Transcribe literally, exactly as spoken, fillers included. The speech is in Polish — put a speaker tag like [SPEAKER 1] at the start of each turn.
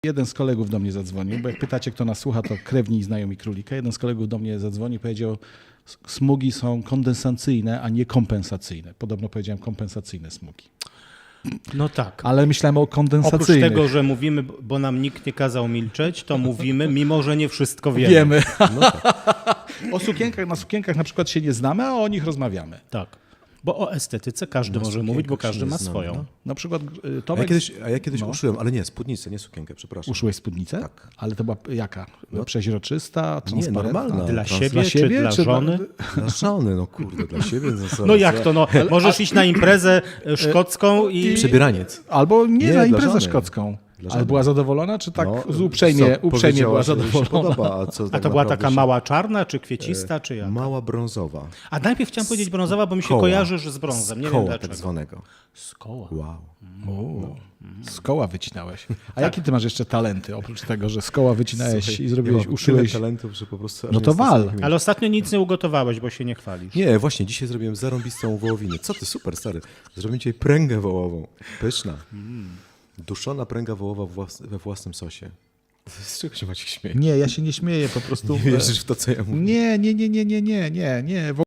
[SPEAKER 1] Jeden z kolegów do mnie zadzwonił, bo jak pytacie, kto nas słucha, to krewni i znajomi królika. Jeden z kolegów do mnie zadzwonił i powiedział, smugi są kondensacyjne, a nie kompensacyjne. Podobno powiedziałem kompensacyjne smugi.
[SPEAKER 2] No tak.
[SPEAKER 1] Ale myślałem o
[SPEAKER 2] Oprócz
[SPEAKER 1] kondensacyjnych.
[SPEAKER 2] tego, że mówimy, bo nam nikt nie kazał milczeć, to mówimy, mimo że nie wszystko wiemy.
[SPEAKER 1] Wiemy. No tak. O sukienkach, na sukienkach na przykład się nie znamy, a o nich rozmawiamy.
[SPEAKER 2] Tak. Bo o estetyce każdy
[SPEAKER 3] Na
[SPEAKER 2] może mówić, bo
[SPEAKER 3] sukienkach się
[SPEAKER 2] każdy
[SPEAKER 3] nie
[SPEAKER 2] ma
[SPEAKER 3] znamy,
[SPEAKER 2] swoją.
[SPEAKER 3] no.
[SPEAKER 1] Na przykład y,
[SPEAKER 3] A ja
[SPEAKER 1] Tomek...
[SPEAKER 3] kiedyś, a ja kiedyś
[SPEAKER 1] no.
[SPEAKER 3] uszyłem, ale nie, spódnicę, nie sukienkę, przepraszam.
[SPEAKER 1] Uszyłeś spódnicę?
[SPEAKER 3] Tak.
[SPEAKER 1] Ale to była jaka?
[SPEAKER 3] No.
[SPEAKER 1] Przeźroczysta,
[SPEAKER 3] Nie,
[SPEAKER 1] transparentna?
[SPEAKER 3] normalna.
[SPEAKER 2] Dla
[SPEAKER 3] Trans-
[SPEAKER 2] siebie,
[SPEAKER 1] Dla
[SPEAKER 2] czy
[SPEAKER 1] siebie,
[SPEAKER 2] dla
[SPEAKER 1] czy
[SPEAKER 2] żony?
[SPEAKER 3] Dla żony, no kurde, dla siebie. No, co,
[SPEAKER 2] No jak
[SPEAKER 3] co?
[SPEAKER 2] to? No, możesz iść na imprezę szkocką i...
[SPEAKER 3] Przebieraniec.
[SPEAKER 1] Albo nie,
[SPEAKER 3] Nie,
[SPEAKER 1] na
[SPEAKER 3] dla
[SPEAKER 1] imprezę
[SPEAKER 3] żony.
[SPEAKER 1] szkocką.
[SPEAKER 3] Dla
[SPEAKER 1] Ale
[SPEAKER 3] żony.
[SPEAKER 1] była zadowolona, czy tak
[SPEAKER 3] No,
[SPEAKER 1] z uprzejmie,
[SPEAKER 3] co,
[SPEAKER 1] uprzejmie była
[SPEAKER 3] powiedziała, że jej się
[SPEAKER 1] zadowolona?
[SPEAKER 3] podoba, a co
[SPEAKER 2] A
[SPEAKER 3] tak
[SPEAKER 2] to była
[SPEAKER 3] naprawdę
[SPEAKER 2] taka
[SPEAKER 3] się-
[SPEAKER 2] mała czarna, czy kwiecista, czy jak?
[SPEAKER 3] Mała brązowa.
[SPEAKER 2] A najpierw chciałem powiedzieć brązowa, bo mi się
[SPEAKER 3] Koła.
[SPEAKER 2] kojarzysz z brązem. Nie
[SPEAKER 3] Z
[SPEAKER 2] wiem
[SPEAKER 3] koła
[SPEAKER 2] dlaczego.
[SPEAKER 3] tak zwanego.
[SPEAKER 2] Z koła.
[SPEAKER 3] Wow.
[SPEAKER 1] O, z koła wycinałeś. A jakie ty masz jeszcze talenty, oprócz tego, że z koła wycinałeś
[SPEAKER 3] Słuchaj,
[SPEAKER 1] i zrobiłeś,
[SPEAKER 3] ja mam
[SPEAKER 1] uszyłeś?
[SPEAKER 3] tyle talentów, że po prostu... aż
[SPEAKER 1] No
[SPEAKER 3] nie
[SPEAKER 1] to
[SPEAKER 3] jestem w
[SPEAKER 1] wal.
[SPEAKER 3] stanie ich
[SPEAKER 2] Ale ostatnio nic nie ugotowałeś, bo się nie chwalisz.
[SPEAKER 3] Nie, właśnie, dzisiaj zrobiłem zarąbistą wołowinę. Co ty, super, stary. Zrobiłem dzisiaj pręgę wołową. Pyszna. Duszona pręga wołowa włas- we własnym sosie. Z czego się macie śmieje?
[SPEAKER 1] Nie, ja się nie śmieję, po prostu...
[SPEAKER 3] Nie wierzysz w to, co ja mówię?
[SPEAKER 1] Nie, nie, nie, nie, nie, nie, nie, nie.